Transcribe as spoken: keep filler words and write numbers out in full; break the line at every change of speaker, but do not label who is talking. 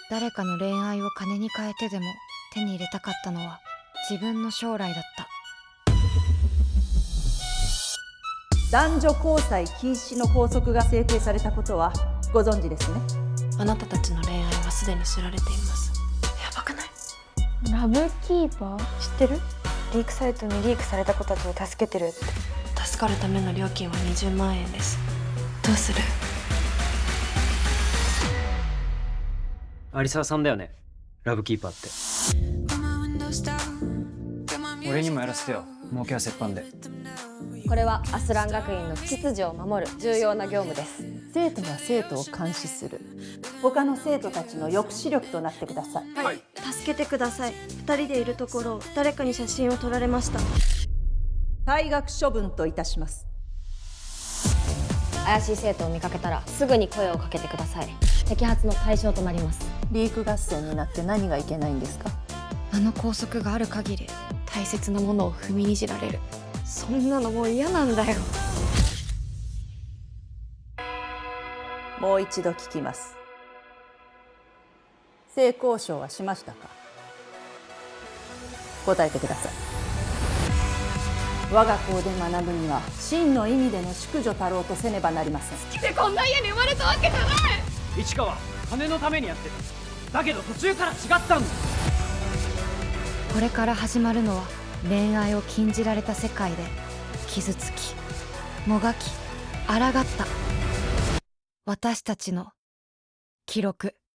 誰かの恋愛を金に変えてでも手に入れたかったのは自分の将来だった。
男女交際禁止の法則が制定されたことはご存知ですね。
あなたたちの恋愛はすでに知られています。やばくない？
ラブキーパー知ってる？リークサイトにリークされた子たちを助けてるって。
助かるための料金はにじゅうまんえんです。どうする？
有沢さんだよね、ラブキーパーって。俺にもやらせてよ、儲けは折半で。
これはアスラン学院の秩序を守る重要な業務です。
生徒が生徒を監視する、他の生徒たちの抑止力となってください。
はい、助けてください。二人でいるところを誰かに写真を撮られました。
退学処分といたします。
怪しい生徒を見かけたらすぐに声をかけてください。摘発の対象となります。
リーク合戦になって何がいけないんですか？
あの校則がある限り
大切なものを踏みにじられる。
そんなのもう嫌なんだよ。
もう一度聞きます。性交渉はしましたか？答えてください。我が校で学ぶには真の意味での淑女たろうとせねばなりません。
でこんな家に生まれたわけじゃない。
市川、金のためにやってた。だけど途中から違ったんだ。
これから始まるのは恋愛を禁じられた世界で傷つきもがき抗った私たちの記録。